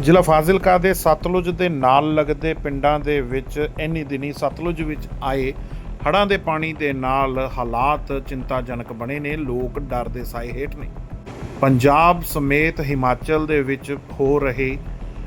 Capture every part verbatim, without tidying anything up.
ਜ਼ਿਲ੍ਹਾ ਫਾਜ਼ਿਲਕਾ ਦੇ ਸਤਲੁਜ ਦੇ ਨਾਲ ਲੱਗਦੇ ਪਿੰਡਾਂ ਦੇ ਵਿੱਚ ਇੰਨੀ ਦਿਨੀ ਸਤਲੁਜ ਵਿੱਚ ਆਏ ਹੜ੍ਹਾਂ ਦੇ ਪਾਣੀ ਦੇ ਨਾਲ ਹਾਲਾਤ ਚਿੰਤਾਜਨਕ ਬਣੇ ਨੇ। ਲੋਕ ਡਰ ਦੇ ਸਾਏ ਹੇਠ ਨੇ। ਪੰਜਾਬ ਸਮੇਤ ਹਿਮਾਚਲ ਦੇ ਵਿੱਚ ਹੋ ਰਹੇ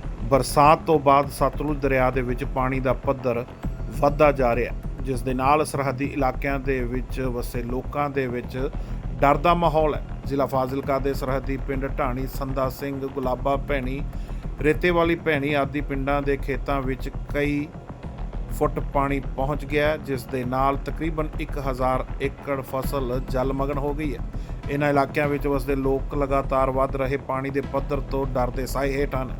ਬਰਸਾਤ ਤੋਂ ਬਾਅਦ ਸਤਲੁਜ ਦਰਿਆ ਦੇ ਵਿੱਚ ਪਾਣੀ ਦਾ ਪੱਧਰ ਵੱਧਦਾ ਜਾ ਰਿਹਾ, ਜਿਸ ਦੇ ਨਾਲ ਸਰਹੱਦੀ ਇਲਾਕਿਆਂ ਦੇ ਵਿੱਚ ਵਸੇ ਲੋਕਾਂ ਦੇ ਵਿੱਚ ਡਰ ਦਾ ਮਾਹੌਲ ਹੈ। ਜ਼ਿਲ੍ਹਾ ਫਾਜ਼ਿਲਕਾ ਦੇ ਸਰਹੱਦੀ ਪਿੰਡ ਢਾਣੀ, ਸੰਦਾ ਸਿੰਘ, ਗੁਲਾਬਾ ਭੈਣੀ, ਰੇਤੇ ਵਾਲੀ ਭੈਣੀ ਆਦਿ ਪਿੰਡਾਂ ਦੇ ਖੇਤਾਂ ਵਿੱਚ ਕਈ ਫੁੱਟ ਪਾਣੀ ਪਹੁੰਚ ਗਿਆ, ਜਿਸ ਦੇ ਨਾਲ ਤਕਰੀਬਨ ਇੱਕ ਹਜ਼ਾਰ ਏਕੜ ਫਸਲ ਜਲਮਗਨ ਹੋ ਗਈ ਹੈ। ਇਹਨਾਂ ਇਲਾਕਿਆਂ ਵਿੱਚ ਵਸਦੇ ਲੋਕ ਲਗਾਤਾਰ ਵੱਧ ਰਹੇ ਪਾਣੀ ਦੇ ਪੱਧਰ ਤੋਂ ਡਰ ਦੇ ਸਾਏ ਹੇਠ ਹਨ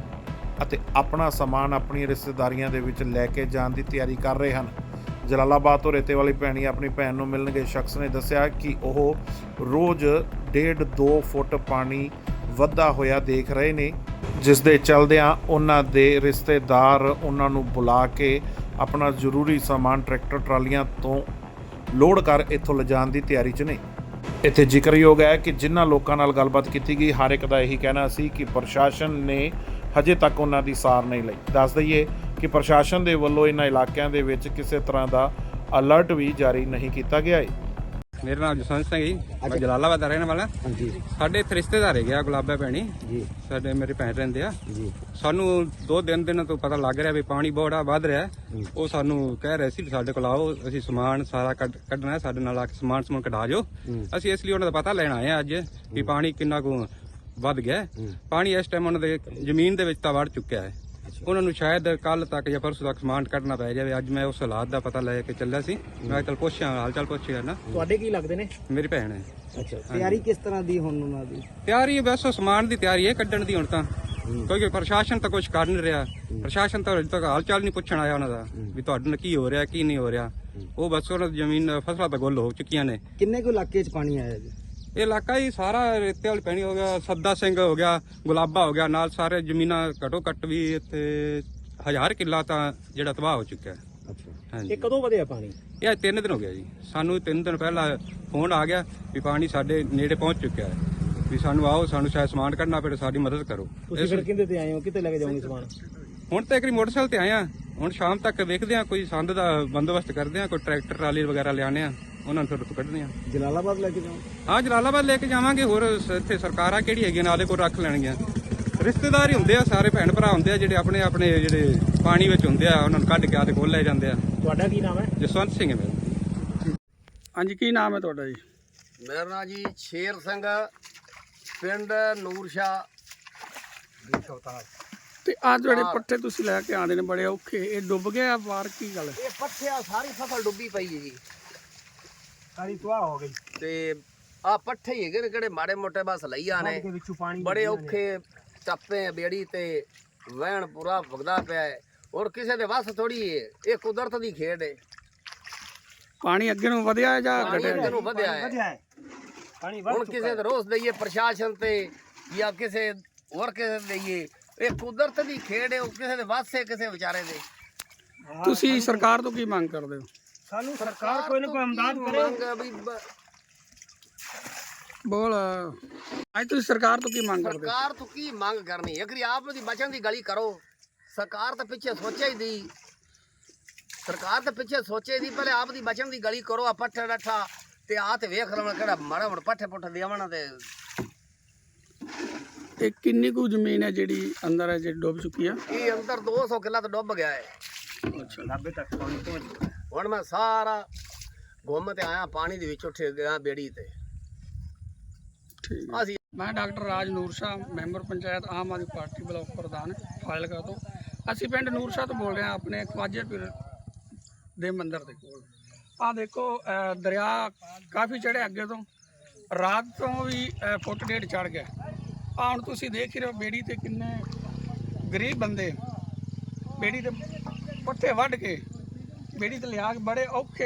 ਅਤੇ ਆਪਣਾ ਸਮਾਨ ਆਪਣੀਆਂ ਰਿਸ਼ਤੇਦਾਰੀਆਂ ਦੇ ਵਿੱਚ ਲੈ ਕੇ ਜਾਣ ਦੀ ਤਿਆਰੀ ਕਰ ਰਹੇ ਹਨ। ਜਲਾਲਾਬਾਦ ਤੋਂ ਰੇਤੇ ਵਾਲੀ ਭੈਣੀ ਆਪਣੀ ਭੈਣ ਨੂੰ ਮਿਲਣ ਗਏ ਸ਼ਖਸ ਨੇ ਦੱਸਿਆ ਕਿ ਉਹ ਰੋਜ਼ ਡੇਢ ਦੋ ਫੁੱਟ ਪਾਣੀ ਵੱਧਦਾ ਹੋਇਆ ਦੇਖ ਰਹੇ ਨੇ, ਜਿਸ ਦੇ ਚਲਦਿਆਂ ਉਹਨਾਂ ਦੇ ਰਿਸ਼ਤੇਦਾਰ ਉਹਨਾਂ ਨੂੰ ਬੁਲਾ ਕੇ ਆਪਣਾ ਜ਼ਰੂਰੀ ਸਮਾਨ ਟਰੈਕਟਰ ਟਰਾਲੀਆਂ ਤੋਂ ਲੋਡ ਕਰ ਇੱਥੋਂ ਲਿਜਾਣ ਦੀ ਤਿਆਰੀ 'ਚ ਨੇ। ਇੱਥੇ ਜ਼ਿਕਰਯੋਗ ਹੈ ਕਿ ਜਿਨ੍ਹਾਂ ਲੋਕਾਂ ਨਾਲ ਗੱਲਬਾਤ ਕੀਤੀ ਗਈ, ਹਰ ਇੱਕ ਦਾ ਇਹੀ ਕਹਿਣਾ ਸੀ ਕਿ ਪ੍ਰਸ਼ਾਸਨ ਨੇ ਹਜੇ ਤੱਕ ਉਹਨਾਂ ਦੀ ਸਾਰ ਨਹੀਂ ਲਈ। ਦੱਸ ਦਈਏ ਕਿ ਪ੍ਰਸ਼ਾਸਨ ਦੇ ਵੱਲੋਂ ਇਹਨਾਂ ਇਲਾਕਿਆਂ ਦੇ ਵਿੱਚ ਕਿਸੇ ਤਰ੍ਹਾਂ ਦਾ ਅਲਰਟ ਵੀ ਜਾਰੀ ਨਹੀਂ ਕੀਤਾ ਗਿਆ ਹੈ। ਮੇਰਾ ਨਾਮ ਜਸਵੰਤ ਸਿੰਘ ਜੀ, ਮੈਂ ਜਲਾਲਾਬਾਦ ਦਾ ਰਹਿਣ ਵਾਲਾ। ਹਾਂਜੀ। ਸਾਡੇ ਇੱਥੇ ਰਿਸ਼ਤੇਦਾਰ ਹੈਗੇ ਆ ਗੁਲਾਬਾ ਭੈਣੀ ਜੀ, ਸਾਡੇ ਮੇਰੇ ਭੈਣ ਰਹਿੰਦੇ ਆ ਜੀ। ਸਾਨੂੰ ਦੋ ਦਿਨ ਦਿਨ ਤੋਂ ਪਤਾ ਲੱਗ ਰਿਹਾ ਵੀ ਪਾਣੀ ਬੜਾ ਵੱਧ ਰਿਹਾ। ਉਹ ਸਾਨੂੰ ਕਹਿ ਰਹੇ ਸੀ ਵੀ ਸਾਡੇ ਕੋਲ ਆਓ, ਅਸੀਂ ਸਮਾਨ ਸਾਰਾ ਕੱਢ ਕੱਢਣਾ ਹੈ, ਸਾਡੇ ਨਾਲ ਆ ਕੇ ਸਮਾਨ ਸਮੂਨ ਕਢਾ ਜਾਓ। ਅਸੀਂ ਇਸ ਲਈ ਉਹਨਾਂ ਦਾ ਪਤਾ ਲੈਣ ਆਏ ਆ ਅੱਜ ਵੀ ਪਾਣੀ ਕਿੰਨਾ ਕੁ ਵੱਧ ਗਿਆ। ਪਾਣੀ ਇਸ ਟਾਈਮ ਉਹਨਾਂ ਦੇ ਜ਼ਮੀਨ ਦੇ ਵਿੱਚ ਤਾਂ ਵੜ ਚੁੱਕਿਆ ਹੈ। ਉਹਨਾਂ ਨੂੰ ਸ਼ਾਇਦ ਕੱਲ ਤੱਕ ਜਾਂ ਪਰਸੋਂ ਤੱਕ ਸਮਾਨ ਕੱਢਣਾ ਪੈ ਜਾਵੇ। ਅੱਜ ਮੈਂ ਉਸ ਹਾਲਾਤ ਦਾ ਪਤਾ ਲੈ ਕੇ ਚੱਲਿਆ ਸੀ। ਮੈਂ ਚੱਲ ਪੁੱਛਿਆ, ਹਾਲ ਚਾਲ ਪੁੱਛਿਆ ਨਾ। ਤੁਹਾਡੇ ਕੀ ਲੱਗਦੇ ਨੇ? ਮੇਰੀ ਭੈਣ ਹੈ। ਅੱਛਾ, ਤਿਆਰੀ ਕਿਸ ਤਰ੍ਹਾਂ ਦੀ ਹੁਣ ਉਹਨਾਂ ਦੀ? ਤਿਆਰੀ ਬਸ ਸਮਾਨ ਦੀ ਤਿਆਰੀ ਹੈ, ਕੱਢਣ ਦੀ ਹੁਣ ਤਾਂ। ਕਿਉਂਕਿ ਪ੍ਰਸ਼ਾਸਨ ਤਾਂ ਕੁਝ ਕਰ ਨਹੀਂ ਰਿਹਾ। ਪ੍ਰਸ਼ਾਸਨ ਤਾਂ ਅਜੇ ਤੱਕ ਹਾਲ ਚਾਲ ਨਹੀਂ ਪੁੱਛਣ ਆਇਆ ਉਹਨਾਂ ਦਾ ਵੀ ਤੁਹਾਡੇ ਨਾਲ ਕੀ ਹੋ ਰਿਹਾ ਕੀ ਨਹੀਂ ਹੋ ਰਿਹਾ। ਉਹ ਬਸ ਉਹਨਾਂ ਦੀ ਜ਼ਮੀਨ ਫਸਲਾਂ ਤਾਂ ਗੁੱਲ ਹੋ ਚੁੱਕੀਆਂ ਨੇ। ਕਿੰਨੇ ਕੁ ਇਲਾਕੇ 'ਚ ਪਾਣੀ ਆਇਆ ਜੀ? ਇਹ ਇਲਾਕਾ ਹੀ ਸਾਰਾ ਰੇਤੇ ਵਾਲੀ ਪੈਣੀ ਹੋ ਗਿਆ, ਸੱਦਾ ਸਿੰਘ ਹੋ ਗਿਆ, ਗੁਲਾਬਾ ਹੋ ਗਿਆ, ਨਾਲ ਸਾਰੇ ਜ਼ਮੀਨਾਂ ਘੱਟੋ ਘੱਟ ਵੀ ਇੱਥੇ ਹਜ਼ਾਰ ਕਿੱਲਾ ਤਾਂ ਜਿਹੜਾ ਤਬਾਹ ਹੋ ਚੁੱਕਿਆ। ਅੱਛਾ। ਹਾਂਜੀ। ਇਹ ਕਦੋਂ ਵਧਿਆ ਪਾਣੀ? ਇਹ ਅੱਜ ਤਿੰਨ ਦਿਨ ਹੋ ਗਿਆ ਜੀ। ਸਾਨੂੰ ਤਿੰਨ ਦਿਨ ਪਹਿਲਾਂ ਫੋਨ ਆ ਗਿਆ ਵੀ ਪਾਣੀ ਸਾਡੇ ਨੇੜੇ ਪਹੁੰਚ ਚੁੱਕਿਆ ਹੈ, ਵੀ ਸਾਨੂੰ ਆਓ, ਸਾਨੂੰ ਸ਼ਾਇਦ ਸਮਾਨ ਕੱਢਣਾ ਪਵੇ, ਸਾਡੀ ਮਦਦ ਕਰੋ। ਤੁਸੀਂ ਫਿਰ ਕਿੰਦੇ ਤੇ ਆਏ ਹੋ? ਕਿੱਥੇ ਲੈ ਕੇ ਜਾਓਗੇ ਸਮਾਨ? ਹੁਣ ਤਾਂ ਇੱਕ ਮੋਟਰਸਾਈਕਲ ਤੇ ਆਏ ਆ। ਹੁਣ ਸ਼ਾਮ ਤੱਕ ਵੇਖਦੇ ਆ, ਕੋਈ ਸੰਦ ਦਾ ਬੰਦੋਬਸਤ ਕਰਦੇ ਆ, ਕੋਈ ਟਰੈਕਟਰ ਟਰਾਲੀ ਵਗੈਰਾ ਲਿਆਣੇ ਆ, ਉਹਨਾਂ ਨੂੰ ਫਿਰ ਉੱਥੋਂ ਕੱਢਦੇ ਆ। ਜਲਾਲਾਬਾਦ ਲੈ ਕੇ ਜਾਓ? ਹਾਂ, ਜਲਾਲਾਬਾਦ ਲੈ ਕੇ ਜਾਵਾਂਗੇ। ਹੋਰ ਇੱਥੇ ਸਰਕਾਰਾਂ ਕਿਹੜੀ ਹੈਗੀਆਂ ਨਾਲੇ ਕੋਲ ਰੱਖ ਲੈਣਗੀਆਂ। ਰਿਸ਼ਤੇਦਾਰ ਹੀ ਹੁੰਦੇ ਆ, ਸਾਰੇ ਭੈਣ ਭਰਾ ਹੁੰਦੇ ਆ ਜਿਹੜੇ ਆਪਣੇ ਆਪਣੇ ਜਿਹੜੇ ਪਾਣੀ ਵਿੱਚ ਹੁੰਦੇ ਆ, ਉਹਨਾਂ ਨੂੰ ਕੱਢ ਕੇ ਆਦੇ ਕੋਲ ਲੈ ਜਾਂਦੇ ਆ। ਤੁਹਾਡਾ ਕੀ ਨਾਮ ਹੈ? ਜਸਵੰਤ ਸਿੰਘ ਹੈ ਮੇਰਾ। ਹਾਂਜੀ, ਕੀ ਨਾਮ ਹੈ ਤੁਹਾਡਾ ਜੀ? ਮੇਰਾ ਨਾਮ ਜੀ ਸ਼ੇਰ ਸਿੰਘ, ਪਿੰਡ ਨੂਰਸ਼ਾ। ਤੇ ਆਹ ਜਿਹੜੇ ਪੱਠੇ ਤੁਸੀਂ ਲੈ ਕੇ ਆਉਂਦੇ ਨੇ ਬੜੇ ਔਖੇ, ਇਹ ਡੁੱਬ ਗਏ ਆ ਬਾਹਰ, ਕੀ ਗੱਲ? ਇਹ ਪੱਠਿਆ ਸਾਰੀ ਫਸਲ ਡੁੱਬੀ ਪਈ ਹੈ ਜੀ, ਸਾਰੀ ਤਬਾਹ ਹੋ ਗਈ ਤੇ ਆ ਪੱਠੇ ਹੀ ਹੈਗੇ ਨੇ ਕਿਹੜੇ ਮਾੜੇ ਮੋਟੇ ਬਸ ਲਈਆਂ ਨੇ। ਬੜੇ ਔਖੇ ਟੱਪੇ ਬੇੜੀ ਤੇ ਵਹਿਣ ਪੂਰਾ ਭੁਗਦਾ ਪਿਆ ਹੈ। ਔਰ ਕਿਸੇ ਦੇ ਵੱਸ ਥੋੜੀ ਹੈ, ਇਹ ਕੁਦਰਤ ਦੀ ਖੇਡ ਹੈ। ਪਾਣੀ ਅੱਗੇ ਨੂੰ ਵਧਿਆ ਜਾਂ ਪਾਣੀ ਘਟਿਆ? ਅੱਗੇ ਨੂੰ ਵਧਿਆ ਹੈ। ਹੁਣ ਕਿਸੇ ਦੇ ਰੋਸ ਦਈਏ ਪ੍ਰਸ਼ਾਸਨ ਤੇ ਜਾਂ ਕਿਸੇ ਹੋਰ ਕਿਸੇ ਦੇ ਦਈਏ, ਇਹ ਕੁਦਰਤ ਦੀ ਖੇਡ ਹੈ। ਉਹ ਕਿਸੇ ਦੇ ਵੱਸ ਹੈ, ਕਿਸੇ ਵਿਚਾਰੇ ਦੇ। ਤੁਸੀਂ ਸਰਕਾਰ ਤੋਂ ਕੀ ਮੰਗ ਕਰਦੇ ਹੋ? ਸਾਨੂੰ ਸਰਕਾਰ ਕੋਈ ਨਾ ਕੋਈ ਇਮਦਾਦ ਕਰੇ। ਬੋਲ, ਅੱਜ ਤੁਸੀਂ ਸਰਕਾਰ ਤੋਂ ਕੀ ਮੰਗ ਕਰਦੇ ਹੋ? ਸਰਕਾਰ ਤੋਂ ਕੀ ਮੰਗ ਕਰਨੀ? ਅਗਰ ਆਪ ਦੀ ਬਚਣ ਦੀ ਗਲੀ ਕਰੋ। ਸਰਕਾਰ ਤਾਂ ਪਿੱਛੇ ਸੋਚੇ ਹੀ ਦੀ, ਸਰਕਾਰ ਤਾਂ ਪਿੱਛੇ ਸੋਚੇ ਦੀ, ਪਹਿਲੇ ਆਪ ਦੀ ਬਚਣ ਦੀ ਗਲੀ ਕਰੋ। ਆ ਪੱਠੇ ਡੱਠਾ ਤੇ ਆ ਤੇ ਵੇਖ ਲਵਾਂ ਕਿਹੜਾ ਮਾੜਾ ਮੋਟਾ ਪੱਠੇ ਪੁੱਠੇ ਦੇਵਣਾ ਤੇ। ਇਹ ਕਿੰਨੀ ਕੁ ਜ਼ਮੀਨ ਹੈ ਜਿਹੜੀ ਅੰਦਰ ਹੈ, ਜਿਹੜੀ ਡੁੱਬ ਚੁੱਕੀ ਆ? ਇਹ ਅੰਦਰ ਦੋ ਸੌ ਕਿੱਲਾ ਤਾਂ ਡੁੱਬ ਗਿਆ ਹੈ। ਅੱਛਾ। ਨਾਭੇ ਤੱਕ ਪਾਣੀ ਪਹੁੰਚ ਗਿਆ। ਹੁਣ ਮੈਂ ਸਾਰਾ ਘੁੰਮ ਤੇ ਆਇਆ, ਪਾਣੀ ਦੇ ਵਿੱਚ ਉੱਠ ਗਿਆ ਬੇੜੀ ਤੇ। ਠੀਕ ਹੈ। ਅਸੀਂ ਮੈਂ doctor Raj Noorsha, member panchayat Aam Aadmi Party block ਪ੍ਰਧਾਨ ਫਾਜ਼ਿਲਕਾ ਤੋਂ। ਅਸੀਂ ਪਿੰਡ ਨੂਰਸ਼ਾ ਤੋਂ ਬੋਲ ਰਹੇ ਹਾਂ, ਆਪਣੇ ਖਵਾਜਾ ਪੀਰ ਦੇ ਮੰਦਿਰ ਦੇ ਕੋਲ। ਆਹ ਦੇਖੋ, ਅਹ ਦਰਿਆ ਕਾਫੀ ਚੜ੍ਹਿਆ ਅੱਗੇ ਤੋਂ, ਰਾਤ ਤੋਂ ਵੀ ਅਹ ਫੁੱਟ ਡੇਢ ਚੜ੍ਹ ਗਿਆ। ਆਹ ਹੁਣ ਤੁਸੀਂ ਦੇਖ ਹੀ ਰਹੇ ਹੋ, ਬੇੜੀ ਤੇ ਕਿੰਨੇ ਗਰੀਬ ਬੰਦੇ ਬੇੜੀ ਤੇ ਪੱਠੇ ਵੱਢ ਕੇ ਬੇੜੀ ਤੇ ਲਿਆ ਕੇ ਬੜੇ ਔਖੇ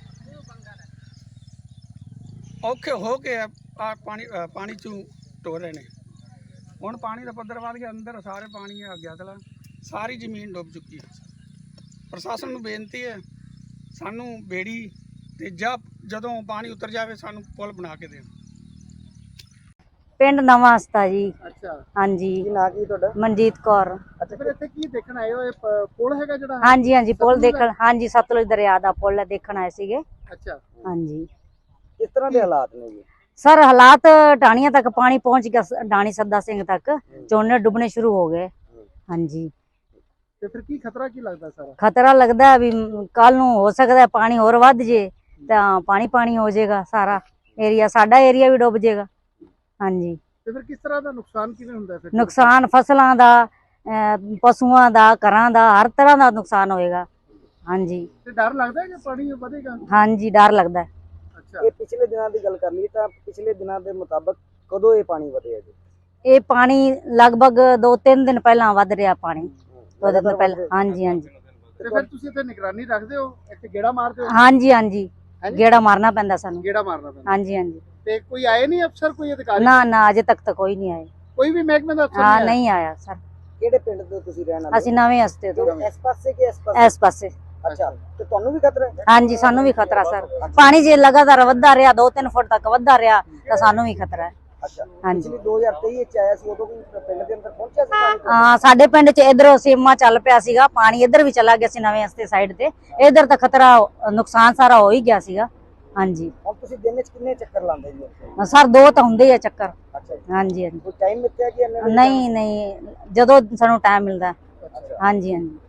ਔਖੇ ਹੋ ਕੇ ਆ ਪਾਣੀ ਪਾਣੀ 'ਚੋਂ ਟੋਰ ਰਹੇ ਨੇ। ਹੁਣ ਪਾਣੀ ਦਾ ਪੱਧਰ ਵੱਧ ਗਿਆ, ਅੰਦਰ ਸਾਰੇ ਪਾਣੀ ਆ ਗਿਆ, ਤਲਾ ਸਾਰੀ ਜ਼ਮੀਨ ਡੁੱਬ ਚੁੱਕੀ ਹੈ। ਪ੍ਰਸ਼ਾਸਨ ਨੂੰ ਬੇਨਤੀ ਹੈ, ਸਾਨੂੰ ਬੇੜੀ ਤੇ ਜਾਂ ਜਦੋਂ ਪਾਣੀ ਉਤਰ ਜਾਵੇ ਸਾਨੂੰ ਪੁਲ ਬਣਾ ਕੇ ਦੇਣ। ਪਿੰਡ ਨਵਾਂ ਹਸਤਾ ਜੀ। ਅੱਛਾ, ਹਾਂਜੀ, ਕੀ ਨਾਂ ਕੀ ਤੁਹਾਡਾ? ਮਨਜੀਤ ਕੌਰ। ਅੱਛਾ, ਫਿਰ ਇੱਥੇ ਕੀ ਦੇਖਣ ਆਏ ਹੋ? ਇਹ ਪ- ਪੁਲ ਹੈਗਾ ਜਿਹੜਾ? ਹਾਂਜੀ ਹਾਂਜੀ ਪੁਲ ਸਤਲੁਜ ਦੇਖਣ, ਹਾਂਜੀ ਸਤਲੁਜ ਦਰਿਆ ਦਾ ਪੁਲ ਦੇਖਣ ਆਏ ਸੀਗੇ। ਅੱਛਾ, ਹਾਂਜੀ ਕਿਸ ਤਰ੍ਹਾਂ ਦੇ ਹਾਲਾਤ ਨੇ ਜੀ? ਸਰ ਹਾਲਾਤ ਢਾਣੀਆਂ ਤੱਕ ਪਾਣੀ ਪਹੁੰਚ ਗਿਆ, ਸ- ਢਾਣੀ ਸੱਦਾ ਸਿੰਘ ਤੱਕ ਝੋਨੇ ਡੁੱਬਣੇ ਸ਼ੁਰੂ ਹੋ ਗਏ। ਹਾਂਜੀ, ਤੇ ਫਿਰ ਕੀ ਖਤਰਾ ਕੀ ਲੱਗਦਾ ਸਾਰਾ? ਖਤਰਾ ਲੱਗਦਾ ਵੀ ਕੱਲ ਨੂੰ ਹੋ ਸਕਦਾ ਪਾਣੀ ਹੋਰ ਵੱਧ ਜੇ ਤਾਂ ਪਾਣੀ ਪਾਣੀ ਹੋ ਜਾਏਗਾ, ਸਾਰਾ ਏਰੀਆ ਸਾਡਾ ਏਰੀਆ ਵੀ ਡੁੱਬ ਜਾਏਗਾ। ਹਾਂਜੀ, ਤੇ ਫਿਰ ਕਿਸ ਤਰ੍ਹਾਂ ਦਾ ਨੁਕਸਾਨ ਕਿਵੇਂ ਹੁੰਦਾ ਫਿਰ? ਨੁਕਸਾਨ ਫਸਲਾਂ ਦਾ, ਅਹ ਪਸ਼ੂਆਂ ਦਾ, ਘਰਾਂ ਦਾ, ਹਰ ਤਰ੍ਹਾਂ ਦਾ ਨੁਕਸਾਨ ਹੋਏਗਾ। ਹਾਂਜੀ ਤੇ ਡਰ ਲੱਗਦਾ ਹੈ ਕਿ ਪਾਣੀ ਵਧੇਗਾ? ਹਾਂਜੀ ਡਰ ਲੱਗਦਾ। ਅੱਛਾ, ਇਹ ਪਿਛਲੇ ਦਿਨਾਂ ਦੀ ਗੱਲ ਕਰ ਲਈ ਤਾਂ ਪਿਛਲੇ ਦਿਨਾਂ ਦੇ ਮੁਤਾਬਕ ਕਦੋਂ ਇਹ ਪਾਣੀ ਵਧਿਆ ਜੀ? ਇਹ ਪਾਣੀ ਲਗਭਗ ਦੋ ਤਿੰਨ ਦਿਨ ਪਹਿਲਾਂ ਵੱਧ ਰਿਹਾ ਪਾਣੀ, ਦੋ ਦਿਨ ਪਹਿਲਾਂ। ਹਾਂਜੀ ਹਾਂਜੀ ਤੇ ਫਿਰ ਤੁਸੀਂ ਇੱਥੇ ਨਿਗਰਾਨੀ ਰੱਖਦੇ ਹੋ, ਇੱਥੇ ਗੇੜਾ ਮਾਰਦੇ ਹੋ? ਹਾਂਜੀ ਹਾਂਜੀ ਗੇੜਾ ਮਾਰਨਾ ਪੈਂਦਾ ਸਾਨੂੰ। ਗੇੜਾ ਮਾਰਨਾ ਪੈਂਦਾ। ਹਾਂਜੀ ਹਾਂਜੀ ਤੇ ਕੋਈ ਆਏ ਨਹੀਂ ਅਫਸਰ, ਕੋਈ ਅਧਿਕਾਰੀ? ਨਾ ਨਾ ਅਜੇ ਤੱਕ ਤਾਂ ਕੋਈ ਨਹੀਂ ਆਏ। ਕੋਈ ਵੀ ਮਹਿਕਮੇ ਦਾ ਅਫਸਰ ਹਾਂ ਨਹੀਂ ਆਇਆ? ਨਹੀਂ ਆਇਆ ਸਰ। ਕਿਹੜੇ ਪਿੰਡ ਤੋਂ ਤੁਸੀਂ ਰਹਿਣ ਵਾਲੇ? ਅਸੀਂ ਨਵੇਂ ਹਸਤੇ ਤੋਂ, ਇਸ ਪਾਸੇ ਕਿ ਇਸ ਪਾਸੇ? ਇਸ ਪਾਸੇ। ਅੱਛਾ, ਤੇ ਤੁਹਾਨੂੰ ਵੀ ਖਤਰਾ ਹੈ? ਹਾਂਜੀ ਸਾਨੂੰ ਵੀ ਖਤਰਾ ਸਰ, ਪਾਣੀ ਜੇ ਲਗਾਤਾਰ ਵੱਧਦਾ ਰਿਹਾ ਦੋ ਤਿੰਨ ਫੁੱਟ ਤੱਕ ਵੱਧਦਾ ਰਿਹਾ ਤਾਂ ਸਾਨੂੰ ਵੀ ਖਤਰਾ ਹੈ। ਅੱਛਾ, ਹਾਂਜੀ ਪਿਛਲੀ ਦੋ ਹਜ਼ਾਰ ਤੇਈ ਵਿੱਚ ਆਇਆ ਸੀ, ਉਦੋਂ ਵੀ ਪਿੰਡ ਦੇ ਅੰਦਰ ਪਹੁੰਚਿਆ ਸੀ ਪਾਣੀ? ਹਾਂ ਸਾਡੇ ਪਿੰਡ ਚ ਇਧਰ ਸੀਮਾ ਚੱਲ ਪਿਆ ਸੀਗਾ, ਪਾਣੀ ਇੱਧਰ ਵੀ ਚਲਾ ਗਿਆ ਸੀ ਨਵੇਂ ਹਸਤੇ ਸਾਈਡ ਤੇ, ਇਧਰ ਤਾਂ ਖਤਰਾ ਨੁਕਸਾਨ ਸਾਰਾ ਹੋ ਹੀ ਗਿਆ ਸੀਗਾ। ਹਾਂਜੀ ਹੁਣ ਤੁਸੀਂ ਦਿਨ ਵਿੱਚ ਕਿੰਨੇ ਚੱਕਰ ਲਾਉਂਦੇ ਜੀ ਉੱਥੇ? ਸਰ ਦੋ ਤਾਂ ਹੁੰਦੇ ਹੀ ਆ ਚੱਕਰ। ਅੱਛਾ ਜੀ, ਹਾਂਜੀ ਹਾਂਜੀ ਕੋਈ ਟਾਈਮ ਮਿੱਥਿਆ ਕਿ ਇੰਨੇ ਵਜੇ? ਨਹੀਂ ਨਹੀਂ ਜਦੋਂ ਸਾਨੂੰ ਟਾਈਮ ਮਿਲਦਾ। ਅੱਛਾ। ਹਾਂਜੀ ਹਾਂਜੀ